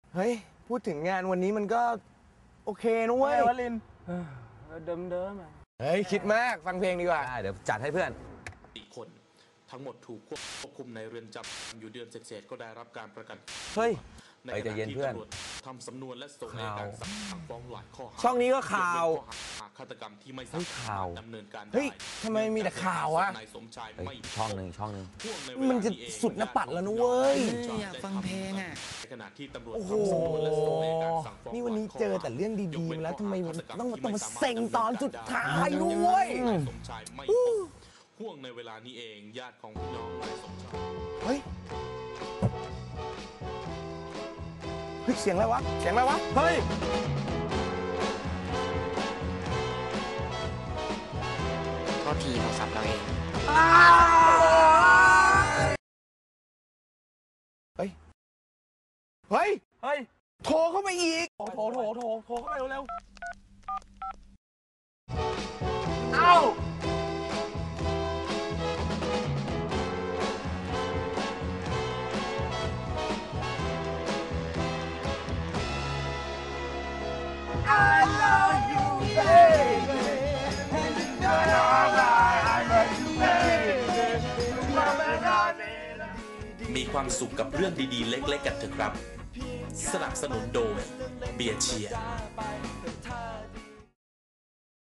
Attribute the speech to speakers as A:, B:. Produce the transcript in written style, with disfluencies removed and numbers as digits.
A: เฮ้ยพูดถึงงานวันนี้มันก็โอเคนะเว้ยวลิน
B: เดิม
A: เฮ้ยคิดมากฟังเพลงดีกว่า
C: ได้เดี๋ยวจัดให้เพื่อน
D: 4 คนทั้งหมดถูกควบคุมในเรือนจำอยู่เดือนเศษก็ได้รับการประกัน
C: เฮ้ย
D: ในขณะที่ตำรวจทำสำนวนและส่งในการสั่งฟ้องหลายข้อหา
C: ช่องนี้ก็ข่าว
D: ฆาตกรรมที่ไม่สามารถดำเนินการได้
A: เฮ้ยทำไมมีแต่ข่าวอะ
D: นายสมชายไม่
C: ช่องหนึ่ง
A: มันจะสุดหน้าปัดแล้วนะเว้ย
E: อยากฟังเพลงอ่ะ
D: ในขณะที่ตำรวจ
A: โอ้โห
D: ทำสำนวนและส่งในการสั่งฟ้อง
A: นี่วันนี้เจอแต่เรื่องดีๆแล้วทำไมต้องมาเซ็งตอนสุดท้าย
D: ด้
A: ด้วย
D: นายสมชายไม่ห่วงในเวลานี้เองญาติของพี่น้องนายสมชาย
A: เฮ้ยเสียงอะไรวะเฮ้ย
E: โทษทีโทรศัพท์เราเอง
A: เฮ้ยโทรเข้าไปอีกโทรเข้าไปเร็วเอ้า
D: มีความสุขกับเรื่องดีๆเล็กๆกันเถอะครับสนับสนุนโดยเบียร์เชียร์